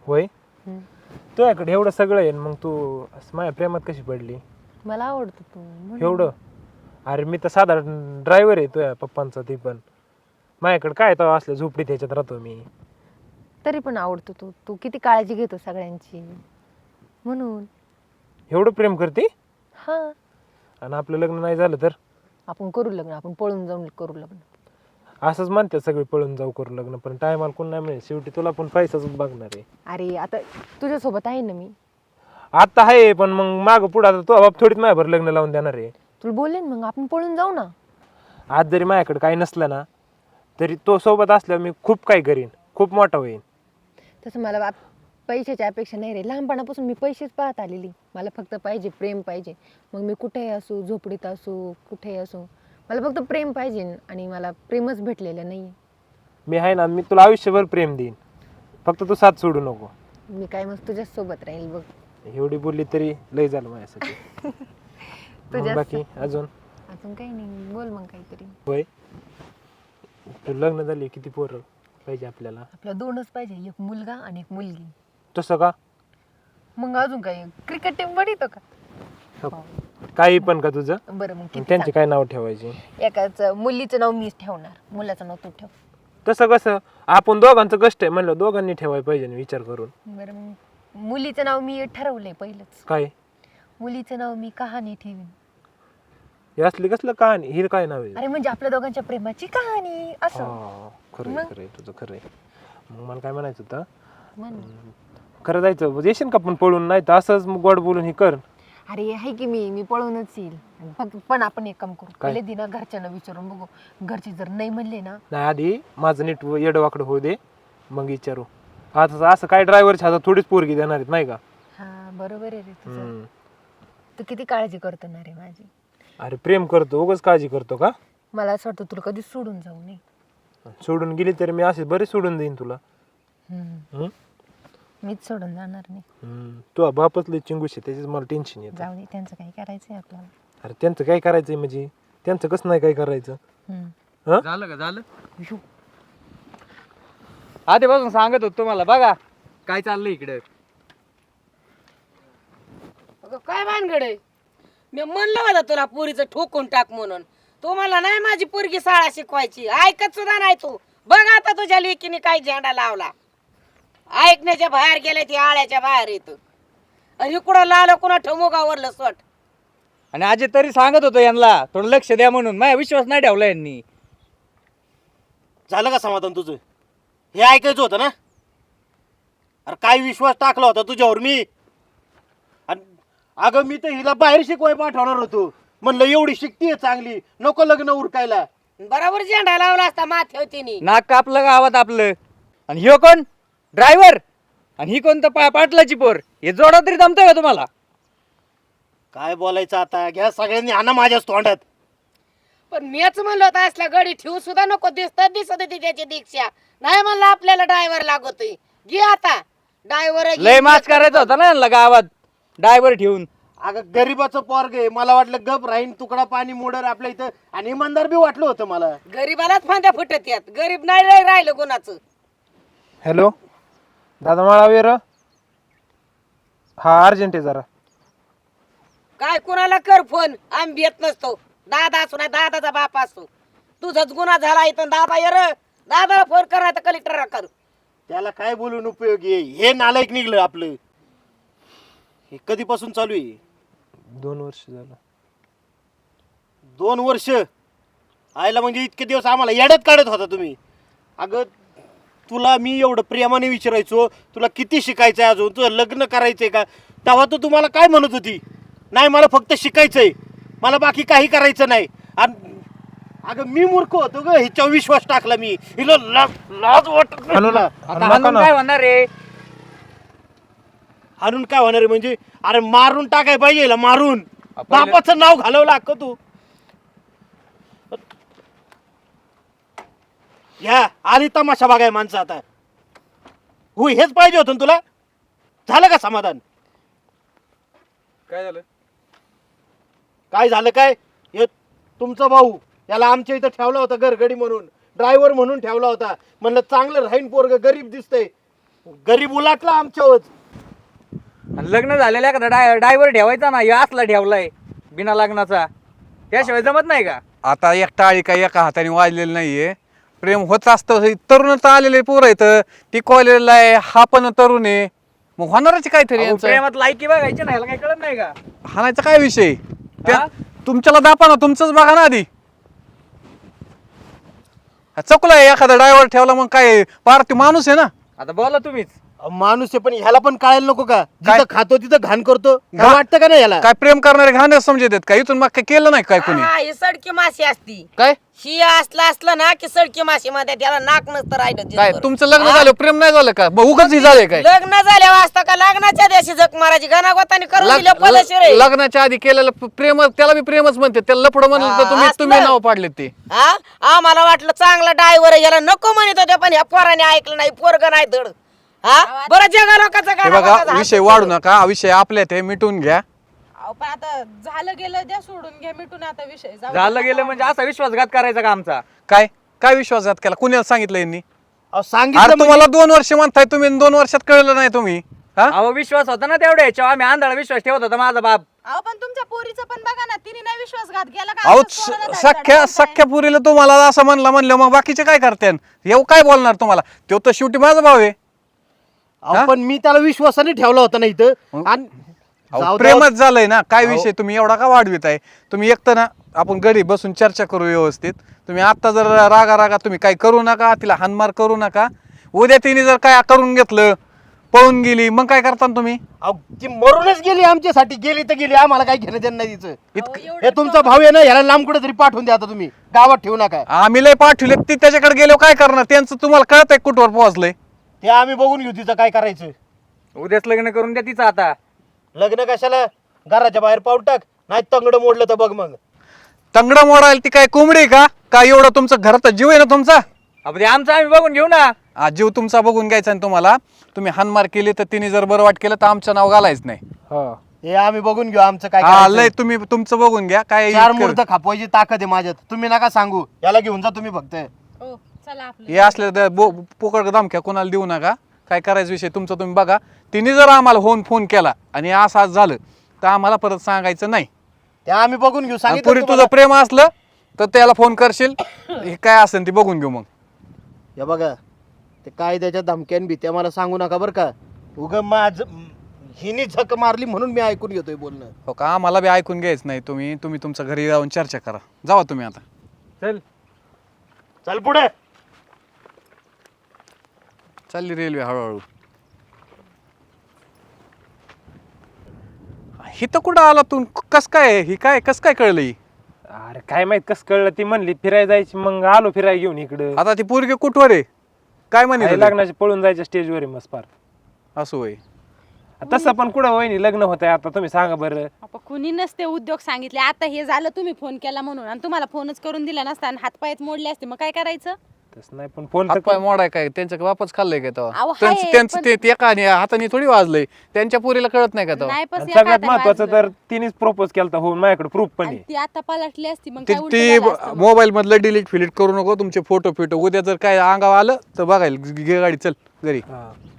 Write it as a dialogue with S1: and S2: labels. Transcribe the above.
S1: होय
S2: हम्म.
S1: तुझ्याकडे एवढं सगळं आहे मग तू असं माझ्या प्रेमात कशी पडली
S2: मला आवडतो तू म्हणून.
S1: एवढं अरे मी तर साधारण ड्रायव्हर आहे तुझ्या पप्पांचा ती पण माझ्याकडे काय तर असलं झोपडीत ह्याच्यात राहतो मी
S2: तरी पण आवडतो तू तू किती काळजी घेतो सगळ्यांची म्हणून.
S1: एवढं प्रेम करते
S2: हा
S1: आणि आपलं लग्न नाही झालं तर
S2: आपण करू लग्न आपण पळून जाऊन करू लग्न.
S1: असंच म्हणतात सगळे पळून जाऊ करू लग्न पण टायमाला कोण नाही मिळेल शेवटी तुला पण पैसाच बघणार आहे
S2: अरे आता तुझ्यासोबत आहे ना मी.
S1: आता आहे पण मग मागं पुढं आता तो बाप थोडीच माझ्याभर लग्न लावून देणार आहे
S2: तुला बोलले ना मग आपण पळून जाऊ ना.
S1: आज जरी माझ्याकडे काही नसलं ना तरी तो सोबत असल्यावर मी खूप काही करीन खूप मोठा होईन
S2: तसं मला पैशाची अपेक्षा नाही रे लहानपणापासून मी पैसेच पाहत आलेली. मला फक्त पाहिजे प्रेम पाहिजे. मग मी कुठेही असू झोपडीत असू कुठेही असू मला फक्त प्रेम पाहिजे आणि मला प्रेमच भेटलेलं नाही.
S1: मी आहे ना मी तुला आयुष्यभर प्रेम देईन फक्त तू साथ सोडू नको
S2: मी काय मग तुझ्याच सोबत राहील बघ.
S1: एवढी बोलली तरी लय झालं माझ्यासाठी मग
S2: तुझ्याच
S1: बाकी अजून
S2: अजून काही नाही बोल मग काहीतरी.
S1: होय तू लग्न झाली किती पोरं पाहिजे आपल्याला
S2: आपल्या दोनच पाहिजे एक मुलगा आणि एक मुलगी.
S1: तसं का
S2: मग अजून काही क्रिकेट टीम बनवतो का.
S1: हो. काही पण का तुझं
S2: बरं मग
S1: मग
S2: किती
S1: त्यांचे काय नाव ठेवायचे
S2: सांग. एकाच मुलीचं नाव मीच ठेवणार मुलाचं नाव तू ठेव.
S1: तसं कसं आपण दोघांचं कष्ट आहे म्हणलं दोघांनी ठेवायला पाहिजे ना विचार करून
S2: बरं मग मुलीचं नाव मी ठरवलंय पहिलंच.
S1: काय
S2: मुलीचं नाव मी कहाणी ठेवीन.
S1: हे असली कसलं कहाणी हिर काय नाव आहे
S2: अरे म्हणजे आपल्या दोघांच्या प्रेमाची कहाणी असं.
S1: हा, खरंय
S2: मग?
S1: खरंय तुझं खरंय मग मला काय म्हणायचं होतं
S2: म्हण.
S1: खरं जायचं येशील का पण पळून नाही तर असंच मग गोड बोलून हे कर
S2: अरे आहे की मी पळूनच येईल. फक्त पण आपण एक काम करू
S1: काय?
S2: पहिले दिना घरच्यांना विचारून बघू. घरचे जर नाही म्हणले ना
S1: नाही आधी माझं नीट येडवाकडं होऊ दे मग विचारू आता असं काय ड्रायव्हरच्या हातात थोडीच पोरगी देणार आहेत नाही का
S2: हा बरोबर आहे रे तुझं.
S1: हम्म.
S2: तू किती काळजी करतो ना रे माझी.
S1: अरे प्रेम करतो उगाच काळजी करतो का
S2: मला असं वाटतं तुला कधी सोडून जाऊ नये.
S1: सोडून गेली तरी मी असे बरेच सोडून देईन तुला हम्म?
S2: मीच सोडून जाणार नाही.
S1: तू बापच लय चिंगूश आहे त्याच्याच मला टेन्शन येतं
S2: जाऊ दे त्यांचं काही करायचंय आपल्याला.
S1: अरे त्यांचं काय करायचंय म्हणजे त्यांचं कसं नाही काय करायचं हं?
S3: झालं का झालं आधीपासून सांगत होतो तुम्हाला बघा काय चाललंय इकडे.
S4: अगं काय भानगडे मी म्हणलं होतं तुला पोरीचं ठोकून टाक म्हणून. तू मला नाही माझी पोरगी शाळा शिकवायची ऐकत सुद्धा नाही तू. बघ आता तुझ्या लेकीने काय झेंडा लावला. ऐकण्याच्या बाहेर गेले ती आळ्याच्या बाहेर येत आणि इकडं लाल कुणा ठमोगावरलं सोट.
S3: आणि आजी तरी सांगत होतो यांना थोडं लक्ष द्या म्हणून माझा विश्वास नाही ठेवला यांनी.
S5: झालं का समाधान तुझं हे ऐकायचं होतं ना. अरे काय विश्वास टाकला होता तुझ्यावर मी. आणि अगं मी तर हिला बाहेर शिकवाय पाठवणार होतो म्हणलं एवढी शिकतीये चांगली नको लग्न उरकायला.
S4: बरोबर झेंडा लावला असता माथ्यावर तिने.
S3: नाक कापलं गावात आपलं. आणि ह्यो कोण ड्रायव्हर आणि ही कोणतं पाटलाची पोर हे जोडा तरी जमतंय का तुम्हाला.
S5: काय बोलायचं आता घ्या सगळ्यांनी आणा माझ्याच तोंडात.
S4: पण मीच म्हणलं होतं असला गडी ठेवू सुद्धा नको दिसत होती त्याची दीक्षा. नाही म्हणलं आपल्याला ड्रायव्हर लागतोय घे आता ड्रायव्हर.
S3: लय माच करायचा होता ना यांना गावात ड्रायव्हर ठेवून.
S5: अगं गरीबाचं पोरग आहे मला वाटलं गप राहीन तुकडा पाणी मोडर आपल्या इथं आणि इमानदार बी वाटलं होतं मला.
S4: गरीबालाच फांद्या फुटत यात गरीब नाही राहिलं कोणाचं.
S1: हॅलो दादा मला वेर हा अर्जंट आहे जरा
S4: काय कुणाला कर फोन आम्ही येत नसतो. दादा असो नाही दादाचा बाप असो. तुझाच गुन्हा झाला इथं दादा ये र दादाला फोन करायचं कलेक्टरला कर.
S5: त्याला काय बोलून उपयोगी आहे हे नालायक निघलं आपलं. हे कधीपासून चालू आहे
S1: 2 वर्ष झालं
S5: 2 वर्ष आयला म्हणजे इतके दिवस आम्हाला येड्यात काढत होता तुम्ही. अगं तुला मी एवढं प्रेमाने विचारायचो तुला किती शिकायचंय अजून तुझं लग्न करायचंय का तेव्हा तू तुम्हाला काय म्हणत होती नाही मला फक्त शिकायचंय मला बाकी काही करायचं नाही. आणि अगं मी मूर्ख होतो ग हिच्यावर विश्वास टाकला मी. हिला लाज वाटत नाही
S1: हाणू
S5: तुला.
S1: ना,
S3: आता
S1: हाणू नका
S3: हाणून
S1: ना.
S3: काय होणार रे.
S5: हाणून काय होणार आहे म्हणजे अरे मारून टाकाय पाहिजे हिला मारून. बापाचं नाव घालवलं अक्क तू. ह्या आली तमाशा बघाय माणसं आता. हो हेच पाहिजे होतं ना तुला. झालं का समाधान.
S3: काय झालं
S5: काय झालं काय हे तुमचा भाऊ याला आमच्या इथं ठेवला होता घरगडी म्हणून ड्रायव्हर म्हणून ठेवला होता म्हणलं चांगलं राहीन पोरग गरीब दिसतंय गरीब उलाटला आमच्यावर.
S3: आणि लग्न झालेल्या एखादा ड्रायव्हर ठेवायचा ना, या असला ठेवलाय बिना लग्नाचा, त्याशिवाय जमत नाही का?
S6: आता एक टाळी काही एका हाताने वाजलेली नाहीये. प्रेम होत असतं. तरुण तर आलेले पोरं आहेत, ती कॉलेजला आहे, हा पण तरुण आहे, मग होणारच काहीतरी
S3: अहो,
S6: यांचं.
S3: प्रेमात लायकी बघायची नाही, ह्याला काही कळत नाही का?
S6: हाणायचा काय विषय त्या
S3: हा?
S6: तुमच्याला दापा ना, तुमचंच बघा ना आधी. चुकलं एखादा ड्रायव्हर ठेवला मग काय पार ते माणूस आहे ना.
S3: आता बोला तुम्हीच.
S5: माणूस आहे पण ह्याला पण कळायला नको का?
S6: काय?
S5: जिथं खातो तिथं घाण करतो. काय
S6: घा-
S5: वाटतं का नाही ह्याला?
S6: काय प्रेम करणारे घाण समजत आहेत का? इथून मग काय केलं नाही काय कोणी?
S4: हा, ही सडकी माशी असती.
S6: काय
S4: ही असलं ना की सडकी माशी मध्ये त्याला नाक नसतं राहिलं
S6: काय
S4: दिसभर.
S6: तुमचं लग्न
S4: हा?
S6: झालं प्रेम नाही झालं का? मग उगाच झालंय काय?
S4: लग्न झाल्यावर असतं का लग्नाच्या दिवशी जग मारायची गणागोताने करून दिलं
S6: लग-
S4: पदशीर आहे.
S6: लग्नाच्या आधी केलेलं प्रेम त्याला बी प्रेमच म्हणते. त्याला लपड म्हणलं
S4: हा,
S6: तर तुम्ही
S4: असलं.
S6: तुम्ही नाव पाडले ते.
S4: हा आम्हाला वाटलं चांगला ड्रायव्हर याला नको म्हणत होते पण ह्या पोराने ऐकलं नाही, पोरग नाही धड. हा बरं जगा लोकांचं
S6: हे
S4: गाणं
S6: बघा
S4: बघा,
S6: विषय वाढू नका. हा विषय आपल्यात आहे, मिटून घ्या.
S7: अहो, पण आता झालं गेलं द्या सोडून घ्या मिटून आता विषय जाऊ दे.
S3: झालं गेलं म्हणजे असा विश्वासघात करायचा का आमचा?
S6: काय काय विश्वासघात केला? कुणाला सांगितलं यांनी?
S5: अहो,
S6: अरे
S5: सांगितलं
S6: तुम्हाला 2 वर्ष म्हणताय तुम्ही, 2 वर्षात कळलं नाही तुम्ही? हा
S3: अहो विश्वास होता ना तेवढ्या याच्यावर, आम्ही आंधळा विश्वास ठेवत होता माझा बाप.
S7: अहो पण तुमच्या पोरीचं पण बघा ना, तिने नाही विश्वासघात केला का?
S6: अहो
S7: असंच कोणाला धाड धाड
S6: सख्या पुरीला तुम्हाला असं म्हणलं मग बाकीचे काय करते? येऊ काय बोलणार तुम्हाला? तो तर शेवटी माझा भाव आहे.
S5: अहो, पण मी त्याला विश्वासाने ठेवला होता ना इथं. आणि
S6: अहो,
S5: जाऊ
S6: प्रेमच झालंय ना. काय
S5: अहो.
S6: विषय तुम्ही एवढा का वाढवित आहे? तुम्ही एकतर ना आपण घरी बसून चर्चा करू व्यवस्थित. तुम्ही आता जर रागा तुम्ही काय करू नका, तिला हानमार करू नका. उद्या तिने जर काय करून घेतलं, पळून गेली, मग काय करता तुम्ही?
S5: अहो, ती मरूनच गेली आमच्यासाठी. गेली तर गेली, आम्हाला काय घेणं देणं नाही तिचं.
S6: इतकं
S5: हे तुमचा भाऊ आहे ना, ह्याला लांब कुठे तरी पाठवून द्या आता तुम्ही. गावात ठेवू नका.
S6: आम्ही लय पाठवले, ती त्याच्याकडे गेलो काय करणार? त्यांचं तुम्हाला कळत आहे कुठवर पोहोचलंय?
S5: ते आम्ही बघून घेऊ तिचं काय करायचं.
S3: उद्याच लग्न करून द्या तिचं आता.
S5: लग्न कशाला? घराच्या बाहेर पाऊल टाक, नाही तंगड मोडलं तर बघ मग.
S6: तंगडं मोडायला ती काय कोंबडी आहे का? काय एवढं तुमचं घरात जीव आहे ना तुमचा?
S3: अहो, ते आमचं आम्ही बघून घेऊ ना.
S6: आज जीव तुमचा बघून घ्यायचा आणि तुम्हाला तुम्ही हानमार केली तर तिने जर बरं वाट केलं तर आमचं नाव घालायच नाही.
S1: हा
S5: हे आम्ही बघून घेऊ आमचं काय
S6: हा
S5: करायचं.
S6: लय तुम्ही तुमचं बघून घ्या. काय
S5: 4
S6: इतकं-
S5: मुहूर्त खापवायची ताकद आहे माझ्यात. तुम्ही नका सांगू. याला घेऊन जा तुम्ही फक्त.
S7: हो, चला आपलं
S6: हे असले पोकळ धमक्या कोणाला देऊ नका. काय करायचं विषय तुमचा तुम्ही बघा. तिने जर आम्हाला फोन केला आणि असं झालं तर आम्हाला परत सांगायचं नाही.
S5: ते आम्ही बघून घेऊ.
S6: आणि
S5: सांगितलं
S6: पुरी
S5: तुम्हाला.
S6: तुझं प्रेम असलं तर त्याला फोन करशील. हे काय असेल ती बघून घेऊ मग.
S5: हे बघा, ते काय त्याच्या धमक्यान भीत्या मला सांगू नका बरं का. माझ हिने झक मारली म्हणून मी ऐकून घेतोय बोलणं.
S6: हो का? आम्हाला बी ऐकून घ्यायचं नाही. तुम्ही तुमच्या घरी जाऊन चर्चा करा. जावा तुम्ही आता.
S3: चल.
S5: चल पुढे.
S6: चालली रेल्वे हळूहळू. ही तर कुठं आला तू? कस काय ही काय कस काय कळलं ही?
S1: अरे काय माहित कसं कळलं? ती म्हणली फिरायला जायची, मग आलो फिरायला घेऊन इकडं.
S6: आता ती पोरगी कुठवर आहे? काय म्हणे
S1: आहे लग्नाचे पळून जायच्या स्टेजवर आहे मस्त फार.
S6: असं होय.
S1: तसं पण कुठं वहिनी लग्न होत आहे आता? तुम्ही सांगा बरं.
S7: आपण कुणी नसते उद्योग सांगितले. आता हे झालं तुम्ही फोन केला म्हणून, आणि तुम्हाला फोनच करून दिला नसता आणि हातपायच मोडले असते, मग काय करायचं?
S1: तसं नाही पण फोन
S6: हातपाय मोडाय काय? त्यांचं वापस खाल्लंय का तेव्हा?
S7: अहो,
S6: त्यांचं
S7: हाय,
S6: त्यांचं
S7: पण-
S6: ते एका हाताने थोडी वाजलंय. त्यांच्या पोरीला कळत नाही का तेव्हा?
S7: नाही पस
S1: सगळ्यात
S7: एखाद्या
S1: महत्वाचं
S7: वाजलं.
S1: तर तिनेच प्रपोज केलता होऊन माझ्याकडे प्रूफ पण
S7: आणि
S1: आहे.
S7: ती आता पलटली असती मग
S6: ती
S7: काय उलटं झालं असतं मग.
S6: मोबाईल मधलं डिलीट फिलीट करू नको तुमचे फोटो उद्या जर काय अंगावर आलं तर बघायला घे गाडी चल घरी.
S1: हा.